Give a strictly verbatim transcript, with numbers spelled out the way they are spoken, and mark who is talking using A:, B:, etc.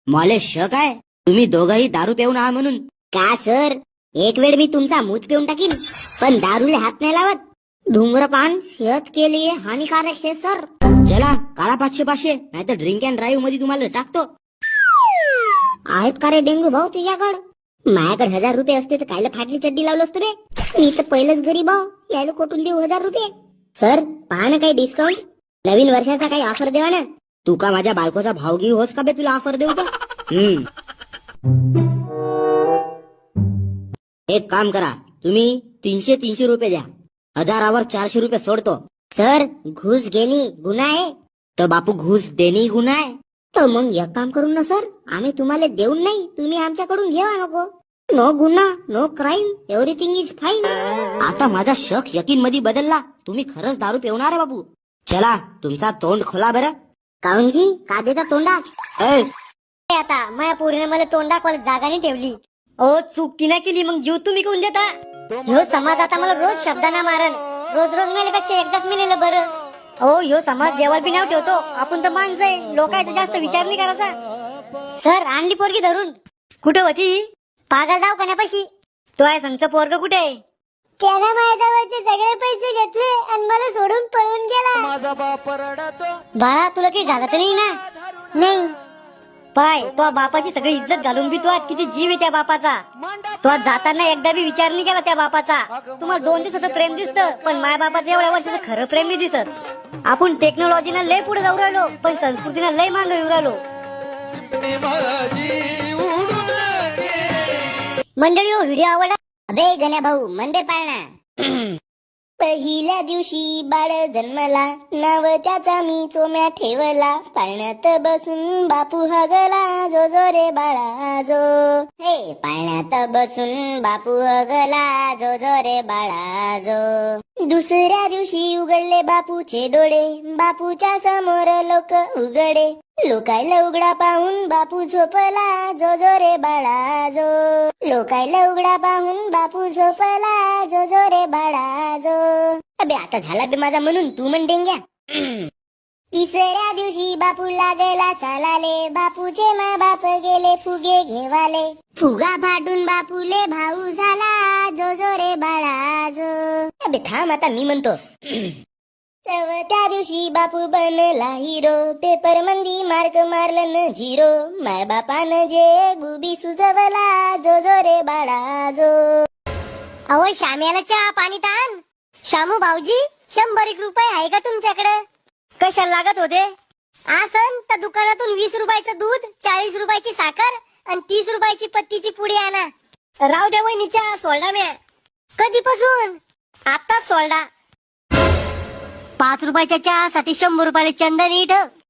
A: मला शक आहे तुम्ही दोघंही दारू पिऊन आहात म्हणून.
B: का सर, एक वेळ मी तुमचा मूत पिऊन टाकीन, पण दारूला हात नाही लावत. धूम्रपान सेहत के लिए हानिकारक है सर.
A: चला काळा पाचशे पाचशे नाही तर ड्रिंक अँड ड्राईव्ह मध्ये तुम्हाला टाकतो.
B: आहेत का रे डेंगू भाऊ तुझ्याकडं? माझ्याकडे हजार रुपये असते तर कायला फाटली चड्डी लावलं असतो रे. मी तर पहिलंच गरीब भाऊ, यायला कोठून देऊ हजार रुपये. सर पहा ना काही डिस्काउंट, नवीन वर्षाचा काही ऑफर देवा ना.
A: तू का माझ्या बायकोचा भावगी होस का बे तुला ऑफर देऊ का? हम्म एक काम करा, तुम्ही तीनशे तीनशे रुपये द्या, हजारावर चारशे रुपये सोडतो.
B: सर घुस घेणे गुन्हा आहे.
A: तर बापू घुस देणे गुन्हा आहे.
B: तर मग एक काम करू ना सर, आम्ही तुम्हाला देऊन नाही, तुम्ही आमच्याकडून घेवा नको. नो गुन्हा no crime, everything is fine.
A: आता माझा शक यकीन मध्ये बदलला, तुम्ही खरंच दारू पिवणार आहे बापू. चला तुमचा तोंड खोला बरं.
B: काऊनजी का देता तोंडात?
A: ए,
B: आता माझ्या पोरीने मला तोंड दाखवायला जागा नाही ठेवली. ओ चूक तिने केली, मग जीव तुम्ही कोण देता? ह्यो समाज आता मला रोज शब्दांना मारन, रोज रोज मेल्यापेक्षा एकदाच मेलेलं बरं. ओ ह्यो समाज देवाला बी नाव ठेवतो, आपण तर माणसं आहे, लोकांचा जास्त विचार नाही करायचा. सर आणली पोरगी धरून. कुठं होती? पागल दवाखान्यापाशी. तो आहे संगचं पोरग कुठे आहे? त्यानं माझ्याजवळचे सगळे पैसे घेतले आणि मला सोडून पळून गेला.
C: माझा बाप रडतो.
B: बाळा तुला काही झालं तर नाही ना? नाही. पाय तो बापाची सगळी इज्जत घालून बी तो किती जीव आहे त्या बापाचा. तो जाताना एकदा बी विचार नाही केला त्या बापाचा. तुम्हाला दोन दिवसाचं प्रेम दिसतं, पण माय बापाचं एवढ्या वर्षाचं खरं प्रेम नाही दिसत. आपण टेक्नॉलॉजीनं लय पुढे जाऊ राहिलो, पण संस्कृतीनं लय मागे येऊ राहिलो. मंडळी हो, व्हिडिओ आवडला? अबे गण्या भाऊ मंदे पाळणा. पहिल्या दिवशी बाळ जन्मला, नाव त्याचा मी चोम्या ठेवला. पाळण्यात बसून बापू हगला, जो जो रे बाळा जो. हे पाळण्यात बसून बापू हगला, जो जो रे बाळा जो. दुसऱ्या दिवशी उघडले बापूचे डोळे, बापूच्या समोर लोक उघडे. लोकायला उघडा पाहून बापू झोपला, जो जो रे बाळा जो. लोकायला उघडा पाहून बापू झोपला, जो जो रे बाळा जो. अबे आता झाला बे माझा म्हणून, तू म्हण डेंग्या. तिसऱ्या दिवशी बापू लागला चालाले, बापूचे मा बाप गेले फुगे घेवाले. फुगा फाटून बापूले भाऊ झाला, जो जो रे बाळा जो. अबे थांब आता मी म्हणतो. तव त्या दिवशी बापू बनला हिरो, पेपर मंदी मार्क मारलं न झिरो. माय बापानं जे गुबी सुजवला, जो जो रे बाळा जो. अहो श्याम्याला चहा पाणी ताण. शामू भाऊजी शंभर एक रुपये आहे का तुमच्याकडे? कशाला लागत होते? आसन तर दुकानातून वीस रुपयाचं दूध, चाळीस रुपयाची साखर आणि तीस रुपयाची पत्तीची पुडी आणा. राव द्या वहिनीच्या सोडा म्या. कधीपासून? आता सोडा. पाच रुपयाच्या चहासाठी शंभर रुपयाला चंदन इट.